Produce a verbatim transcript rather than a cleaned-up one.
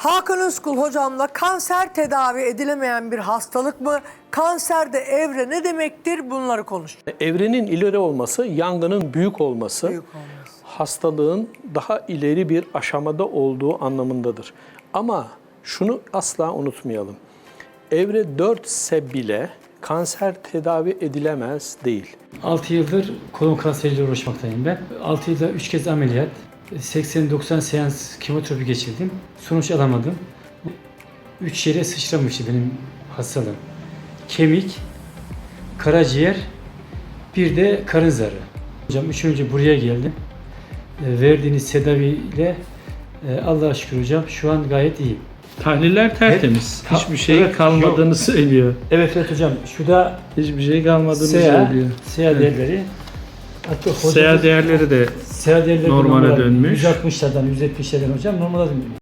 Hakan Özkul hocamla kanser tedavi edilemeyen bir hastalık mı? Kanserde evre ne demektir? Bunları konuştuk. Evrenin ileri olması, yangının büyük olması, Büyük olması. hastalığın daha ileri bir aşamada olduğu anlamındadır. Ama şunu asla unutmayalım. Evre dört ise bile kanser tedavi edilemez değil. altı yıldır kolon kanseriyle uğraşmaktayım ben. altı yılda üç kez ameliyat, seksen doksan seans kemoterapi geçirdim. Sonuç alamadım. üç yere sıçramıştı benim hastalığım. Kemik, karaciğer, bir de karın zarı. Hocam üç önce buraya geldim. E, verdiğiniz tedaviyle e, Allah'a şükür hocam şu an gayet iyiyim. Tahliller tertemiz. Ta- Hiçbir şey evet, kalmadığını yok. söylüyor. Evet evet hocam şu da Hiçbir şey kalmadığını S E A, söylüyor. S E A değerleri. Hatta S E A değerleri de S E A değerleri normale normal dönmüş. yüz altmışlardan yüz yetmişlerden hocam normale dönmüş.